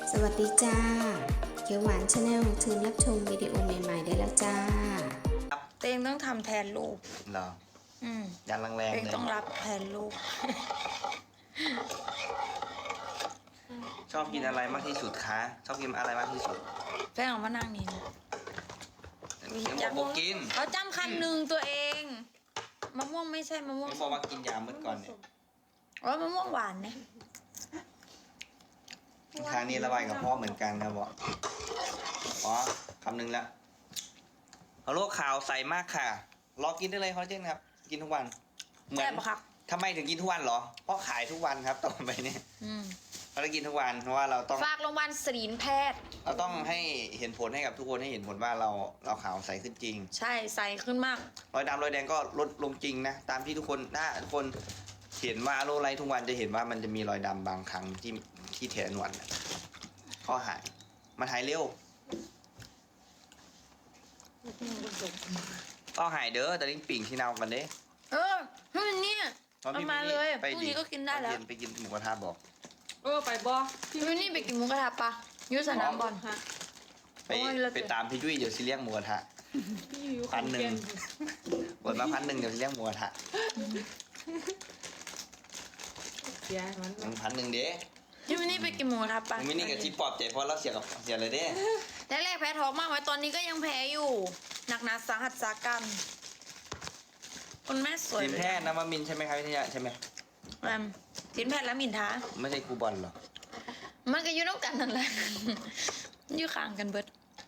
สวัสดีจ้าเขียวหวานชาแนลเชิญรับชมวิดีโอใหม่ๆได้แล้วจ้าเต้งต้องทำแทนลูกเหรอยันแรงๆเลยเต้งต้องรับแทนลูกชอบกินอะไรมากที่สุดคะชอบกินอะไรมากที่สุดแป้งเอามานั่งนี่นะยังบอกกินเขาจำคำหนึ่งตัวเองมะม่วงไม่ใช่มะม่วงยังบอกว่ากินยาเมื่อก่อนเนี่ยมะม่วงหวานเนี่ยทางนี้ระบายกับพ่อเหมือนกันครับบอกอ๋อคำหนึ่งละเอาโรคข่าวใส่มากค่ะรอกินได้เลยคอลลาเจนครับกินทุกวันแซ่บปะครับทำไมถึงกินทุกวันเหรอเพราะขายทุกวันครับต่อไปเนี่ยเราได้กินทุกวันเพราะว่าเราต้องฝากโรงพยาบาลศิรินแพทย์เราต้องให้เห็นผลให้กับทุกคนให้เห็นผลว่าเราขาวใสขึ้นจริงใช่ใสขึ้นมากรอยดำรอยแดงก็ลดลงจริงนะตามที่ทุกคนถ้าทุกคนเห็นว่าโรคไรทุกวันจะเห็นว่ามันจะมีรอยดำบางครั้งที่แขนหนวดก็หายมันหายเร็วก็หายเด้อแต่ลิ้นปิ่งที่เนากันเด้เนี่ยเอามาเลยพรุ่งนี้ก็กินได้แล้วไปกินหมูกระทะบอกไปบอพี่วินนี่ไปกินหมูกระทะปะยุสนามบอลฮะไปตามพี่ยุ้ยเดี๋ยวสิเลี้ยงหมูกระทะ1,000บทมา1,000เดี๋ยวสิเลี้ยงหมูกระทะ1,000เด้พี่วินนี่ไปกินหมูกระทะปะพี่วินนี่กับที่ปลอบใจเพราะเราเสียเลยเด้แรกแพ้ท้องมากไว้ตอนนี้ก็ยังแพ้อยู่หนักหนาสาหัสสากันคุณแม่สวยทีมแพทย์นวมินทร์ใช่ไหมครับพี่ใช่ไหมทีมแพทย์แล้วมินท้าไม่ใช่ครูบอลหรอมันก็อยู่น้องกันนั่นแหละอยู่ข้างกันเบิด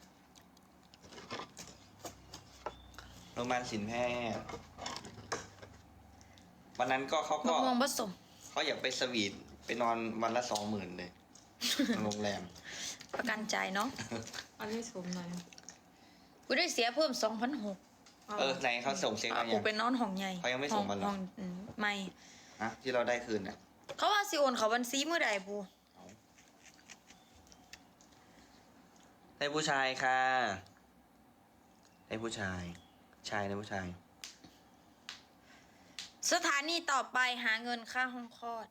โรงพยาบาลศิลป์แพทย์วันนั้นก็เขาก็มองผสมเขาอยากไปสวีทไปนอนวันละ 20,000เลยโรงแรมประกันใจเนาะอันนี้สมหน่อยกูได้เสียเพิ่ม2,600 ไหนเขาส่งเช็คมายังกูเป็นนอนห้องใหญ่เขายังไม่ส่งมาหรอไม่ฮะที่เราได้คืนน่ะเขาว่าสิโอนเขาบัญชีเมื่อใดปูได้ผู้ชายค่ะได้ผู้ชายได้ผู้ชายสถานีต่อไปหาเงินค่าห้องคลอด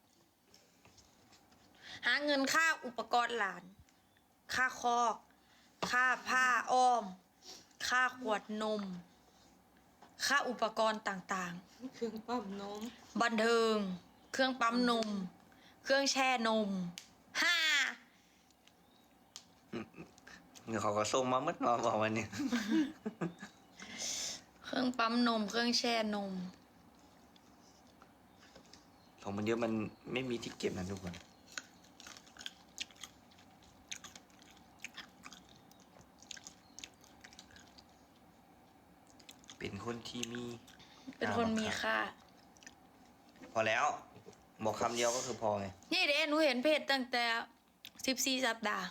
หาเงินค่าอุปกรณ์หลานค่าคอกค่าผ้าอ้อมค่าขวดนมค่าอุปกรณ์ต่างๆเครื่องปั๊มนมบันเทิงเครื่องปั๊มนมเครื่องแช่นมเดี๋ยวเขาก็ส่งมาเมื่อวานบอกวันนี้เครื่องปั๊มนมเครื่องแช่นมของมันเยอะมันไม่มีที่เก็บนะทุกคนเป็นคนที่มีค่าพอแล้วบอกคำเดียวก็คือพอไงนี่เด้หนูเห็นเพจตั้งแต่14 สัปดาห์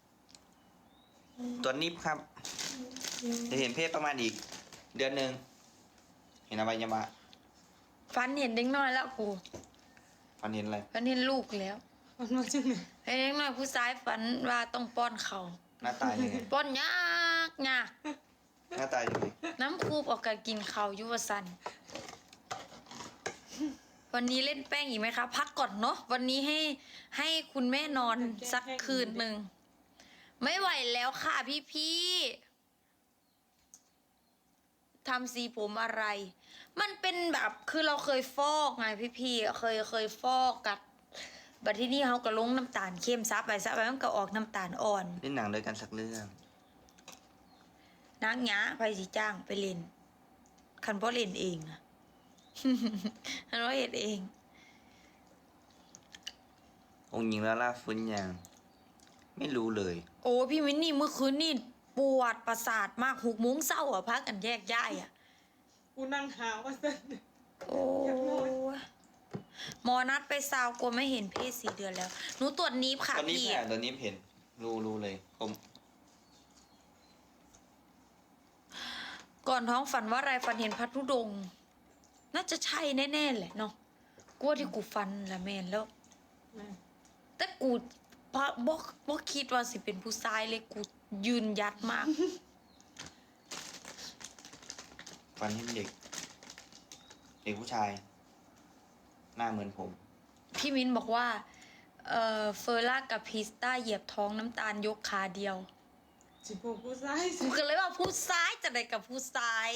ตัวนิบครับจะเห็นเพศประมาณอีกเดือนหนึ่งเห็นอะไรยังมาฟันเห็นเด็กน้อยแล้วกูฟันเห็นอะไรฟันเห็นลูกแล้วมันมาจากไหนเห็นเด็กน้อยผู้ชายฝันว่าต้องป้อนเขาหน้าตายังไงป้อนยากหน้าตายังไงน้ำคูบออกกันกินเขายุวสันวันนี้เล่นแป้งอีกไหมคะพักก่อนเนาะวันนี้ให้คุณแม่นอนสักคืนหนึ่งไม่ไหวแล้วค่ะพี่ทำสีผมอะไรมันเป็นแบบคือเราเคยฟอกไงพี่เคยฟอกกัดบัดที่นี่เขาก็ลงน้ำตาลเข้มซับไปมันก็ออกน้ำตาลอ่อนเล่นหนังด้วยกันสักเรื่องนักหยาไปสิจ้างไปเล่นคันพ่อเล่นเองอะคันพ่อเล่นเององค์หญิงลาล่าฟื้นยังไม่รู้เลยโอ้พี่วินนี่เมื่อคืนนี่ปวดประสาทมาก6 โมงเช้าอ่ะพักกันแยกย้ายอ่ะกูนั่งหาว่าสันโอ้หมอนัดไปซาวกลัวไม่เห็นเพศ4 เดือนแล้วหนูตรวจนีบค่ะพี่ตอนนี้เห็นรู้เลยผมก่อนท้องฝันว่าอะไรฝันเห็นพระธุดงค์น่าจะใช่แน่ๆแหละเนาะกลัวที่กูฝันละแม่นแล้วแต่กูบ่คิดว่าสิเป็นผู้ชายเลยกูยืนยัดมากฟันเห็นเด็กผู้ชายหน้าเหมือนผมพี่มิ้นบอกว่าเฟอร์ล่ากับพิสต้าเหยียบท้องน้ำตาลยกขาเดียวสิพวกกูซ้ายกูก็เลยว่าผู้ซ้ายจะได้กับผู้ซ้าย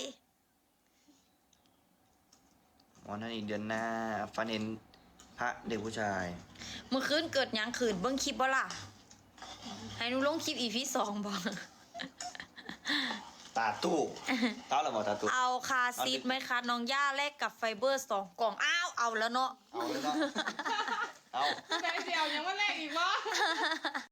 วันนั้นอีกเดือนหน้าฟันเห็นพระเด็กผู้ชายเมื่อคืนเกิดหยังขืนเบิ้งคลิปบ่ล่ะ ให้หนูลงคลิปEP 2บ่ตาตู้เต้าหรือเปล่าตาตู้เอาคาซีดไหมคะน้องย่าแลกกับไฟเบอร์2กล่อง อ้าว เอาแล้วเนาะเอาเลยเนาะเอาแต่เสียวยังว่าแรกอีกวะ